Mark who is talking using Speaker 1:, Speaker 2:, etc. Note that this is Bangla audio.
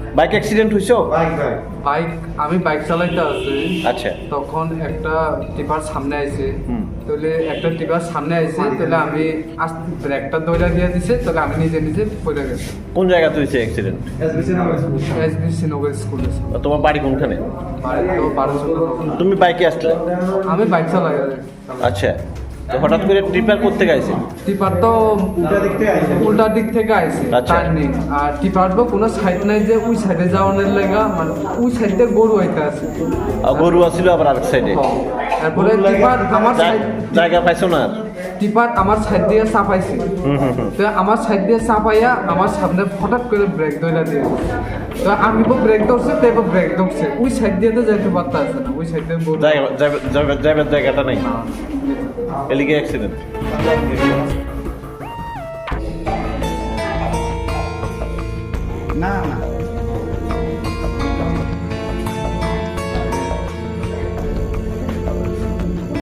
Speaker 1: বাইক অ্যাক্সিডেন্ট হইছো?
Speaker 2: বাইক আমি বাইক চালাইতে আছি,
Speaker 1: আচ্ছা।
Speaker 2: তখন একটা টিপার সামনে আইছে,
Speaker 1: হুম।
Speaker 2: তাহলে একটা টিপার সামনে আইছে, তাহলে আমি ব্রেকটা দৌড়া দিয়ে দিছে, তাহলে আমি নিজে নিজে পড়ে গেছি।
Speaker 1: কোন জায়গাতে হয়েছে অ্যাক্সিডেন্ট?
Speaker 2: এসবিসি নগর স্কুলে।
Speaker 1: তোমার বাড়ি কোনখানে?
Speaker 2: বাড়ি তো 12
Speaker 1: তুমি বাইকে আসলে?
Speaker 2: আমি বাইক চালাই।
Speaker 1: আচ্ছা, তো হঠাৎ করে ট্রিপার করতে গেছে?
Speaker 2: টিপার তো উল্টা দিক থেকে আইছে,
Speaker 1: আচ্ছা।
Speaker 2: টার্নিং। আর টিপার তো কোনো সাইড নাই যে ওই সাইডে যাওয়ানোর লাগা, মানে ওই সাইডে গরু হইতে আছে।
Speaker 1: গরু আছিল আবার আরেক সাইডে।
Speaker 2: তারপরে টিপার আমার সাইড,
Speaker 1: জায়গা পাইছো না?
Speaker 2: টিপার আমার সাইড দিয়ে চাপাইছে, তো আমার সাইড দিয়ে চাপাইয়া আমার সামনে হঠাৎ করে ব্রেক ধরে দিয়ে, তো আমি ব্রেক ধরছে, তো ব্রেক ধরছে ওই সাইড দিয়ে তো যাইতে পারতে আছে না, ওই সাইড দিয়ে
Speaker 1: যাইবার জায়গাটা নেই, এলিগে অ্যাক্সিডেন্ট।
Speaker 3: না